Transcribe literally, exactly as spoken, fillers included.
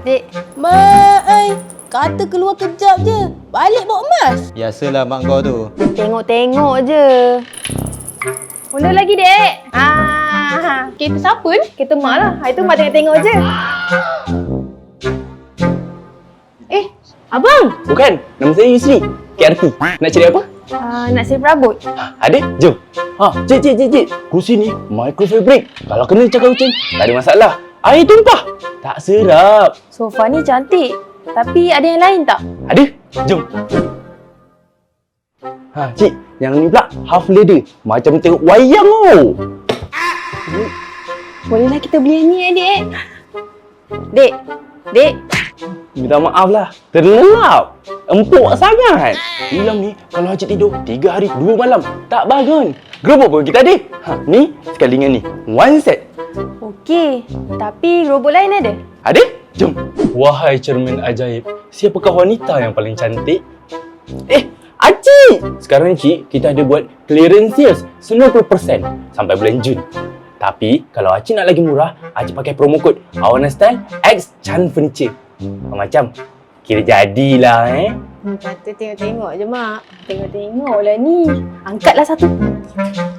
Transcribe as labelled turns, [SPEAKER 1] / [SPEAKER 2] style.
[SPEAKER 1] Dek. Mak, ai. Kata keluar kejap je. Balik bawa emas.
[SPEAKER 2] Biasalah mak kau tu.
[SPEAKER 1] Tengok-tengok je. Mula lagi, Dek. Ah, kereta siapa ni? Kereta Mak lah. Hari tu Mak tengok-tengok je. Eh, Abang.
[SPEAKER 3] Bukan, nama saya Yusri. K R T. Nak cari apa?
[SPEAKER 1] Uh, nak save rambut.
[SPEAKER 3] Ha, ada? Jom. Ha, cik, cik, cik, cik. Kursi ni microfabric. Kalau kena cakap kucing, tak ada masalah. Air tumpah. Tak serap.
[SPEAKER 1] Sofa ni cantik. Tapi ada yang lain tak?
[SPEAKER 3] Ada? Jom. Ha, cik. Yang ni pula half leather. Macam tengok wayang tu.
[SPEAKER 1] Bolehlah kita beli yang ni, eh, Dek. Dek. Dek.
[SPEAKER 3] Minta maaf lah. Terlelap. Empuk sangat. Malam ni kalau Haji tidur tiga hari dua malam tak bangun. Gerobak pun kita ada. Ha, ni sekali dengan ni. One set.
[SPEAKER 1] Okey. Tapi gerobak lain ada?
[SPEAKER 3] Ada? Jom. Wahai cermin ajaib, siapakah wanita yang paling cantik? Eh, Acik! Sekarang ni Cik, kita ada buat clearance sales sembilan puluh peratus sampai bulan Jun. Tapi kalau Acik nak lagi murah, Acik pakai promo kod Awana Style X Chan Furniture. Macam kira jadilah eh.
[SPEAKER 1] Hmm, kata tengok-tengok je, Mak. Tengok-tengok lah ni. Angkatlah satu.